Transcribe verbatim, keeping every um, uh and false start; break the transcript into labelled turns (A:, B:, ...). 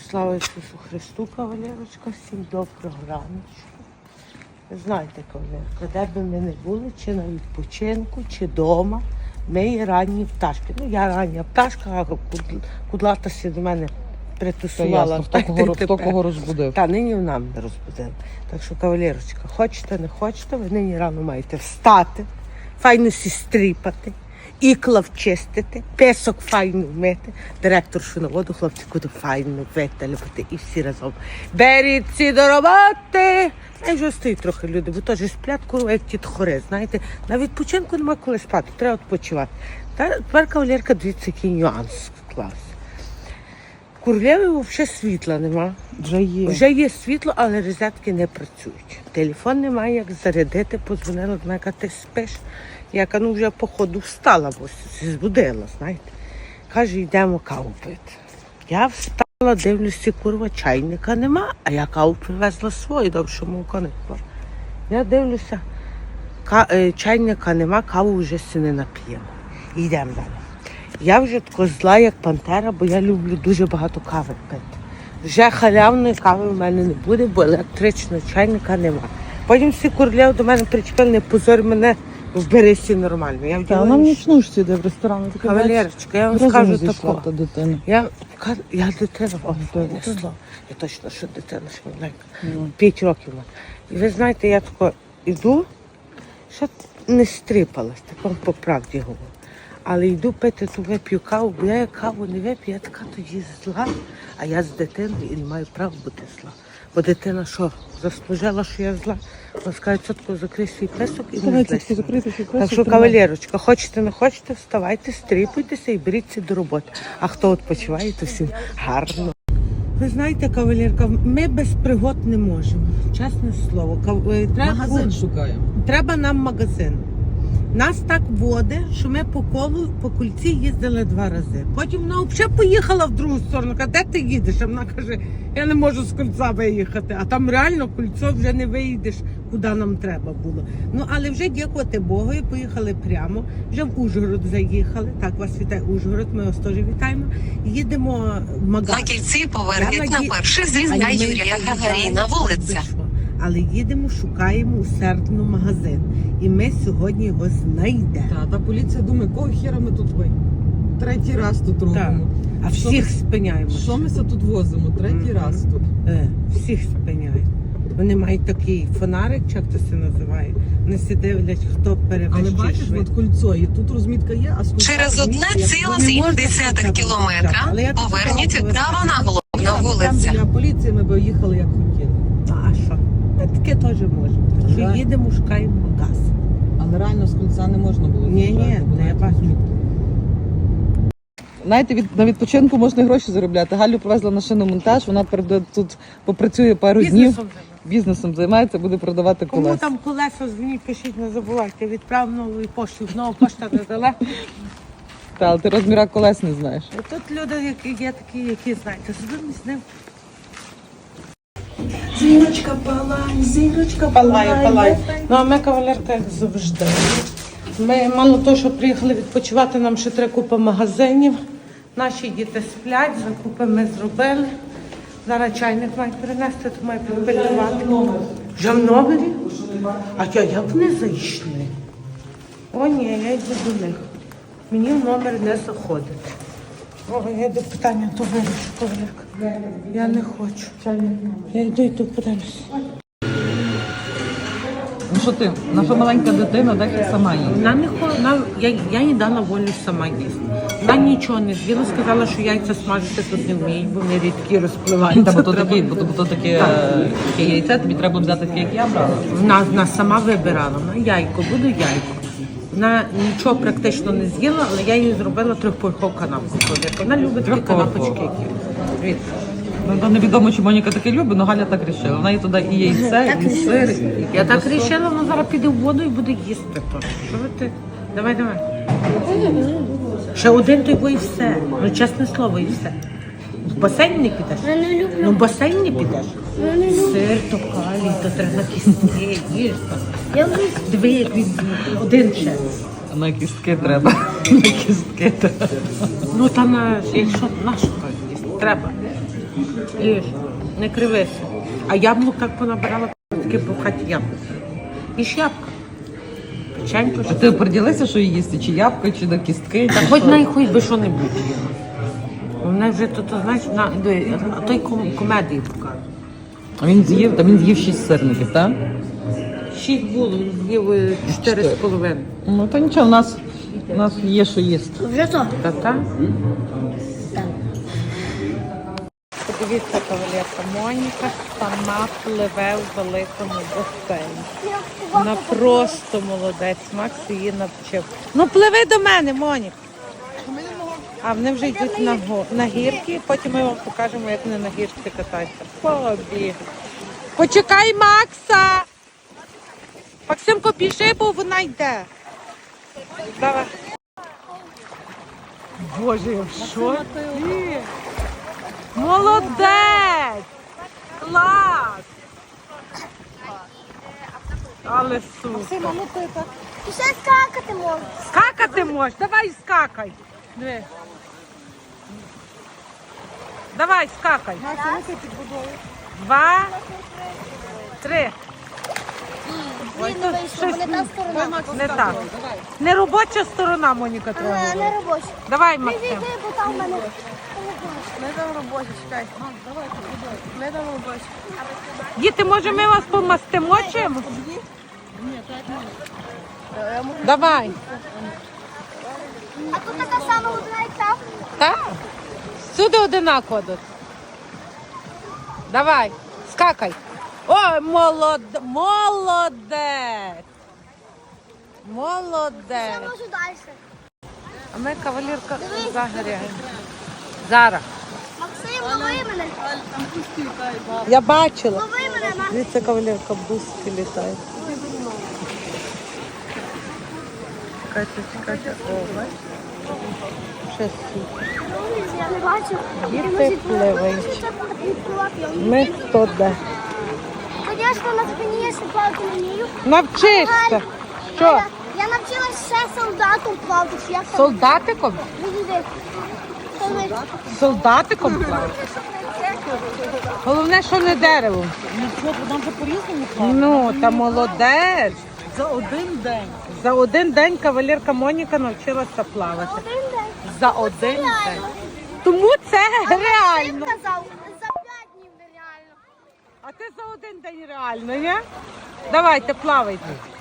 A: Слава Ісусу Христу, кавалерочка, всім доброго раночку. Ви знаєте, кавалерка, де би ми не були, чи на відпочинку, чи вдома, ми є ранні пташки. Ну, я рання пташка, а кудлата сі до мене притусувала.
B: Хто кого, хто кого розбудив?
A: Та, нині вона мене розбудила. Так що, кавалерочка, хочете, не хочете, ви нині рано маєте встати, файно сі стріпати, ікла вчистити, песок файно вмити, директоршу на воду, хлопці, куди файно виталювати і всі разом. Беріться до роботи! Я вже стоїть трохи люди, бо теж сплять, курва, як ті тхори, знаєте. На відпочинку нема коли спати, треба відпочивати. Та тепер, кавалерка, дивіться, який нюанс клас. В Курлєві взагалі світла нема.
B: Вже є.
A: Вже є світло, але розетки не працюють. Телефон немає, як зарядити, подзвонила до мене, каже, ти спиш? Я кажу, ну вже походу встала, бо збудила, знаєте. Каже, йдемо каву пити. Я встала, дивлюся, курва, чайника нема, а я каву привезла свою, добре, що молоко не було. Я дивлюся, ка- чайника нема, каву вже си не нап'ємо. Йдемо далі. Я вже тако зла, як пантера, бо я люблю дуже багато кави пити. Вже халявної кави в мене не буде, бо електричного чайника нема. Потім всі Курлєв до мене причепили, не позор мене, вберися нормально. Я
B: Та вона в нічнушці йде в ресторані.
A: Кавалерочка, я вам скажу такого.
B: Та дитина.
A: Я, я дитина, о, не слово. Я точно, що дитина, що маленька. П'ять років. І ви знаєте, я тако йду, ще не стріпалась, так вам по правді говорю. Але йду пити, то вип'ю каву, бо я як каву не вип'ю, я така тоді зла, а я з дитиною і не маю права бути зла. Бо дитина що, заслужила, що я зла? Вона скаже, цотко, закрий свій песок і не злися. Так що, кавалерочка, хочете, не хочете, вставайте, стріпуйтеся і беріться до роботи. А хто відпочиває, то всім гарно. Ви знаєте, кавалерка, ми без пригод не можемо, чесне слово. Треба,
B: Магазин шукаємо.
A: Треба нам магазин. Нас так воде, що ми по колу, по кульці їздили два рази. Потім вона взагалі поїхала в другу сторону. Каже, де ти їдеш? А вона каже, я не можу з кольця виїхати. А там реально кольцо вже не виїдеш, куди нам треба було. Ну, але вже дякувати Богу, і поїхали прямо. Вже в Ужгород заїхали. Так, вас вітає Ужгород, ми вас теж вітаємо. Їдемо в магазин.
C: На кільці поверніть на перший зрізня Юрія Гагаріна вулиця.
A: Але їдемо, шукаємо усердно магазин. І ми сьогодні його знайдемо.
B: Та, та поліція думає, кого хіра ми тут ви? Третій раз тут робимо.
A: А
B: Що
A: всіх
B: ми-
A: спиняємо.
B: Що ми це тут возимо? Третій
A: Мгм.
B: раз тут.
A: Е, всіх спиняють. Вони мають такий фонарик, чи як це все називає. Вони всі дивлять, хто
B: Але
A: перевищує
B: бачиш, от
A: швидкість.
B: кольцо, і тут розмітка є, а з кольця
C: Через одне
B: розмітки,
C: ціле
B: як-
C: сім
A: можна
C: десятих
A: сказати,
C: кілометра
A: але я тут
C: поверніть
A: сказала,
C: право на головну
B: Там
C: вулицю.
B: біля поліції ми б їхали, як хотіли.
A: А що? Ми таке теж можемо. Так що
B: Так.
A: їдемо, шукаємо газ.
B: Але реально з кольця не можна було.
A: Ні,
B: з'їжджати,
A: ні,
B: бо
A: ну, я
B: навіть
A: бачу.
B: розмітки. Знаєте, від, на відпочинку можна і гроші заробляти. Галю привезла на шиномонтаж, вона перед- тут попрацює пару днів,
A: Бізнесом займаємося.
B: бізнесом займається, буде продавати
A: Кому
B: колеса.
A: там колеса, дзвоніть, пишіть, не забувайте. Відправ новою поштою. Знову пошта недалеко.
B: Та, але ти розміра колес не знаєш.
A: І тут люди, які є такі, які знаєте, сидимо з ним.
D: Зірочка палай, зірочка
A: Палає,
D: палай.
A: палає. Ну, а ми, кавалерка, як завжди. Ми мало того, що приїхали відпочивати, нам ще треба купа магазинів. Наші діти сплять, закупи ми зробили. Зараз чайник має перенести, то має підпилювати. Вже в номері? А я, як вони зайшли? О, ні, я йду до них. Мені в номер не заходить. О, я йду питання, то вирішу, кавалерка. Я не хочу. Я йду і тут подивлюся.
B: Ну що ти, наша маленька дитина, так і сама їсть.
A: Вона не ходила, я, я їй дала волю сама їсти. Вона нічого не з'їла, сказала, що яйця смажити тут не вміють, бо вони рідкі розпливаються.
B: Та, бо то
A: Треба-
B: таке, бо то, бо то таке, е, таке яйце, тобі треба взяти таке, як я брала.
A: Вона, вона сама вибирала, вона яйко, буду яйко. Вона нічого практично не з'їла, але я їй зробила трьохповерхову канапку. Вона любить такі
B: Трьохповерхову.
A: канапочки, які. Дивіться.
B: Ну, то невідомо, чи Моніка таке любить, але Галя так рішила. Вона і туди і яйце, і сир, і
A: Я так
B: ковбасу.
A: вирішила, вона зараз піде в воду і буде їсти. То. Що ви ти? Давай, давай. Ще один той бо і все. Ну, чесне слово, і все. В басейн не підеш?
D: Я не люблю.
A: Ну, в басейн не підеш.
D: Я не люблю.
A: Сир, то калій, то треба на кістки, їж. то.
D: Я люблю.
A: Диви, як він один ще.
B: На кістки треба. На кістки треба.
A: Ну, та на, якщо нашу їсти, треба. Їж, не кривися. А яблук так понабирала, таке по хаті яблук. Їж ябка. Печенько.
B: А ти оприділися, що їсти? Чи ябка, чи до кістки?
A: Та хоч най хоч би що-небудь. Вона вже тут, знаєш, на диви, а той ком- комедії покаже.
B: А він з'їв, та він з'їв шість сирників, так?
A: Шість було, він з'їв е, чотири з половиною.
B: Ну то нічого, у нас, у нас є що їсти.
E: Вже то.
A: Та-та. Подивіться, кавалерка, Моніка сама пливе в великому басейні. Вона просто молодець, Макс її навчив. Ну пливи до мене, Моніка. А вони вже йдуть на, го- на гірки, потім ми вам покажемо, як вони на гірці катаються. Побіг. Почекай Макса! Максимко, біжи, бо вона йде. Давай. Боже, я в шоці. Молодець! Клас! Але супер.
E: І ще скакати можна.
A: Скакати можеш? Давай скакай. Диви. Давай, скакай. Два, три. Ой,
E: Блін,
A: тут
E: не вийшло,
A: щось
E: бо не та сторона.
A: не так. Не робоча сторона, Моніка,
E: А,
A: твоя.
E: не робоча.
A: Давай,
E: Ти
A: Максим.
E: зійди, бо там в мене.
D: Не там робочі, чекай. Не там робочі.
A: Діти, може ми вас помастимо чимось? Давай.
E: А тут така сама одна, як там.
A: Так. Всюди одинаково тут. Давай, скакай. Ой, молод... молодець.
E: Я
A: Молодець.
E: можу далі.
A: А ми кавалерка
E: Дивись.
A: загоряємо. Зараз.
E: Максим, лови мене.
A: Я бачила.
E: Лови мене, Максим.
A: Дивіться, кавалерка, бузки літають. Чекайте, чекайте. О, бачите? Ще супер.
E: Я не бачу.
A: Діти пливають. Ми хто де.
E: Звісно, на спині я ще плавати не вмію.
A: Навчишся. Що?
E: Я, я навчилась ще солдатом плавати. чи Як там?
A: Солдатиком?
E: Відійди. Та ви-
A: Солдатиком плавати? Головне, що не деревом.
B: Нам же по-різному
A: Ну, та молодець.
B: За один день.
A: За один день кавалерка Моніка навчилася плавати.
E: Один день.
A: За один день.
E: Реально.
A: Тому це
E: Максим
A: реально.
E: казав, за п'ять днів нереально.
A: А ти за один день реально, ні? Давайте, плавайте.